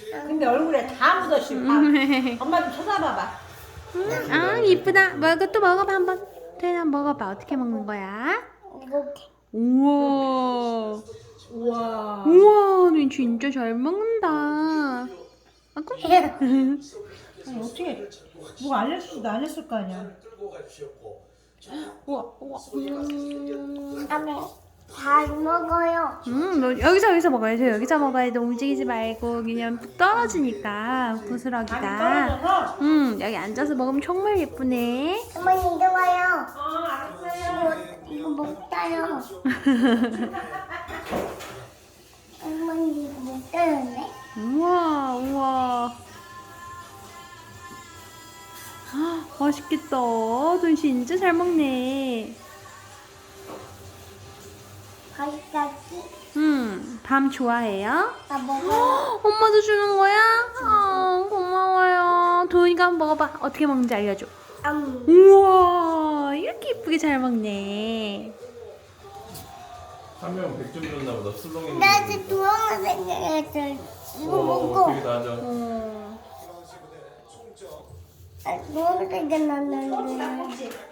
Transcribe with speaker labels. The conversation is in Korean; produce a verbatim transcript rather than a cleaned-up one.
Speaker 1: 근데 얼굴에 다 묻었어. 밥. 엄마 좀 쳐다봐봐.
Speaker 2: 음, 아 이쁘다. 먹어 또 먹어봐 한번. 태연아 먹어봐. 어떻게 먹는 거야?
Speaker 3: 이렇게.
Speaker 2: 우와.
Speaker 1: 우와.
Speaker 2: 우와, 너 진짜 잘 먹는다. 아까?
Speaker 1: 아니, 어떻게 누가 알려주지도 않았을 거 아니야. 우와, 우와. 음.
Speaker 3: 다음에 잘 먹어요.
Speaker 2: 음, 너 여기서 여기서 먹어야죠. 여기서 먹어야 돼. 움직이지 말고 그냥 떨어지니까
Speaker 1: 많이
Speaker 2: 부스러기가.
Speaker 1: 떨어져서.
Speaker 2: 음, 여기 앉아서 먹으면 정말 예쁘네.
Speaker 3: 어머니 이리 와요.
Speaker 1: 어, 알았어요.
Speaker 3: 이거, 이거 먹다요. 어머니 이거 먹다였네.
Speaker 2: 우와, 우와. 아, 맛있겠다. 너 진짜 잘 먹네.
Speaker 3: 거기까지
Speaker 2: 음, 밤 좋아해요?
Speaker 3: 다 먹어요.
Speaker 2: 엄마도 주는 거야? 아, 고마워요. 도윤이가 한번 먹어봐. 어떻게 먹는지 알려줘.
Speaker 3: 음.
Speaker 2: 우와, 이렇게 예쁘게 잘 먹네.
Speaker 4: 한 명 백 점 줬나 보다. 술렁이.
Speaker 3: 나 지금 두어가 생각했어. 이거 먹고.
Speaker 4: 되게 낮아.
Speaker 2: 어.
Speaker 3: 아, 두어가 생각났는데.
Speaker 1: 꼭지, 꼭지.